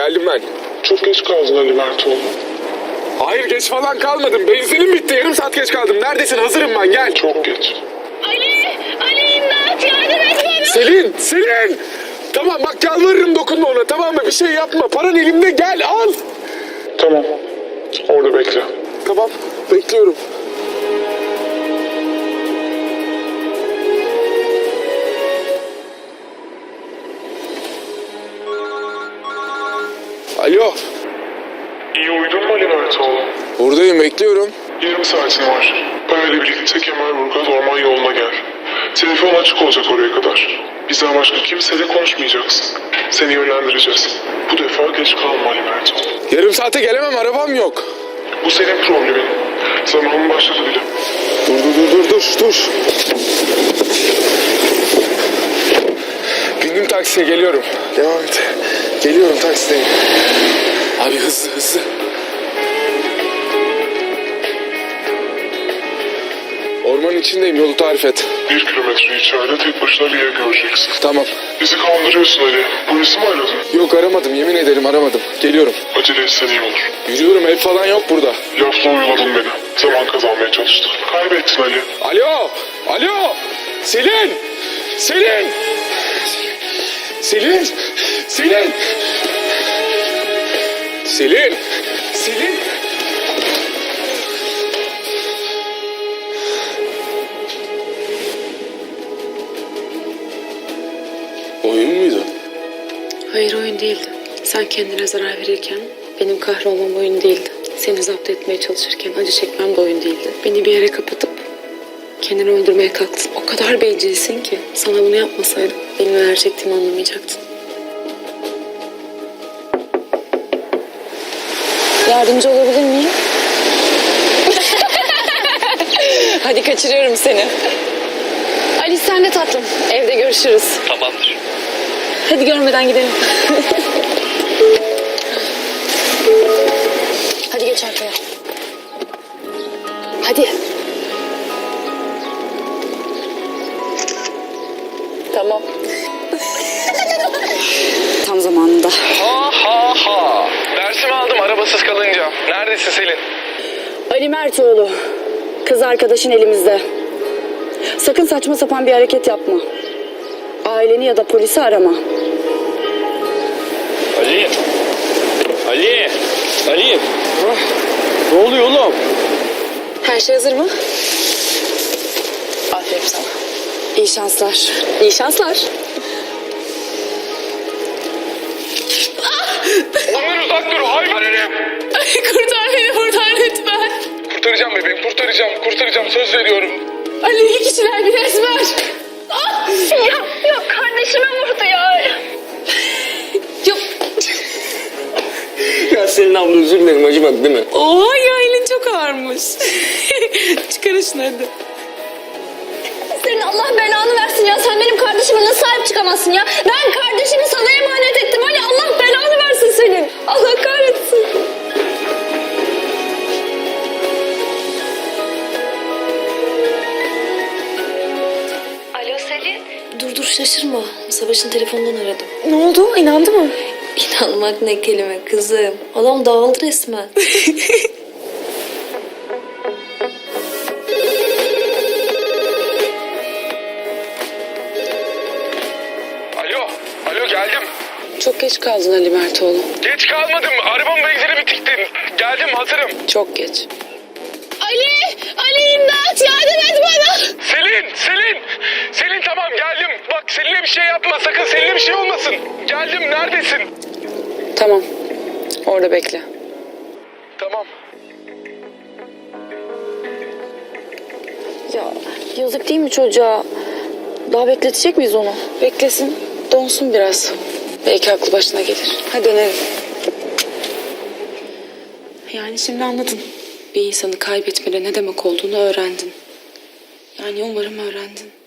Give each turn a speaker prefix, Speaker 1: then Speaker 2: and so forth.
Speaker 1: geldim ben.
Speaker 2: Çok geç kaldın Ali Mertoğlu.
Speaker 1: Hayır geç falan kalmadım. Benzinim bitti. Yarım saat geç kaldım. Neredesin? Hazırım ben. Gel.
Speaker 2: Çok geç.
Speaker 3: Ali imdat yardım et bana.
Speaker 1: Selin! Tamam bak yalvarırım dokunma ona, tamam mı? Bir şey yapma. Paran elimde, gel al.
Speaker 2: Tamam. Orada bekle.
Speaker 1: Tamam bekliyorum. Alo.
Speaker 2: İyi uyudun mu Ali Mertoğlu?
Speaker 1: Buradayım, bekliyorum.
Speaker 2: Yarım saatin var. Parayla birlikte Kemalburgaz orman yoluna gel. Telefon açık olacak oraya kadar. Bizden başka kimseyle konuşmayacaksın. Seni yönlendireceğiz. Bu defa geç kalma Ali Mertoğlu.
Speaker 1: Yarım saate gelemem, arabam yok.
Speaker 2: Bu senin problemin. Zamanın başladı bile.
Speaker 1: Dur. Bindim taksiye, geliyorum. Devam et. Geliyorum, taksideyim. Abi hızlı. Ormanın içindeyim, yolu tarif et.
Speaker 2: 1 kilometre içeride tek başına bir yer göreceksin.
Speaker 1: Tamam.
Speaker 2: Bizi kandırıyorsun Ali. Polisi mi aradın?
Speaker 1: Yok aramadım, yemin ederim aramadım. Geliyorum.
Speaker 2: Acele etsen iyi olur.
Speaker 1: Yürüyorum, ev falan yok burada.
Speaker 2: Lafla oyaladın beni. Zaman kazanmaya çalıştın. Kaybettin Ali.
Speaker 1: Alo! Selin! Oyun muydu?
Speaker 4: Hayır, oyun değildi. Sen kendine zarar verirken benim kahrolmam oyun değildi. Seni zapt etmeye çalışırken acı çekmem de oyun değildi. Beni bir yere kapatıp kendini öldürmeye kalktın. O kadar bencilsin ki sana bunu yapmasaydım benim neler çektiğimi anlamayacaktın. Yardımcı olabilir miyim? Hadi kaçırıyorum seni. Ali sen de tatlım. Evde görüşürüz.
Speaker 5: Tamamdır.
Speaker 4: Hadi görmeden gidelim. Hadi geç arkaya. Hadi. Tamam. Tam zamanında.
Speaker 5: Ha. Dersimi aldım arabasız kalınca. Neredesin Selin?
Speaker 4: Ali Mertoğlu. Kız arkadaşın elimizde. Sakın saçma sapan bir hareket yapma. Aileni ya da polisi arama.
Speaker 5: Ali. Ne oluyor oğlum?
Speaker 4: Her şey hazır mı? Aferin sana. İyi şanslar. İyi şanslar.
Speaker 5: Ondan uzak dur hayvan herif.
Speaker 4: Kurtar beni buradan lütfen.
Speaker 5: Kurtaracağım bebeğim kurtaracağım söz veriyorum.
Speaker 4: Ali iyi kişiler bir resmer.
Speaker 3: Yok kardeşime vurdu ya.
Speaker 4: Yok.
Speaker 5: Ya Selin abla özür dilerim acımadı değil mi?
Speaker 4: Oha ya elin çok ağırmış. Çıkarın şunu hadi.
Speaker 3: Senin Allah belanı versin ya. Sen benim kardeşime nasıl sahip çıkamazsın ya? Ben kardeşimi sana emanet ettim. Hani Allah belanı versin senin. Allah kahretsin. Alo Selin.
Speaker 6: Dur şaşırma. Savaş'ın telefonundan aradım.
Speaker 4: Ne oldu? İnandı mı?
Speaker 6: İnanmak ne kelime kızım. Adam dağıldı resmen.
Speaker 5: Alo geldim.
Speaker 4: Çok geç kaldın Ali Mertoğlu.
Speaker 5: Geç kalmadım arabamın benzini bitikti. Geldim hazırım.
Speaker 4: Çok geç.
Speaker 3: Ali imdat yardım et bana.
Speaker 5: Selin tamam geldim. Bak Selin'e bir şey yapma sakın Selin'e bir şey olmasın. Geldim neredesin?
Speaker 4: Tamam. Orada bekle.
Speaker 5: Tamam.
Speaker 4: Ya yazık değil mi çocuğa? Daha bekletecek miyiz onu? Beklesin. Donsun biraz. Belki aklı başına gelir. Hadi dönelim. Yani şimdi anladın. Bir insanı kaybetmenin ne demek olduğunu öğrendin. Yani umarım öğrendin.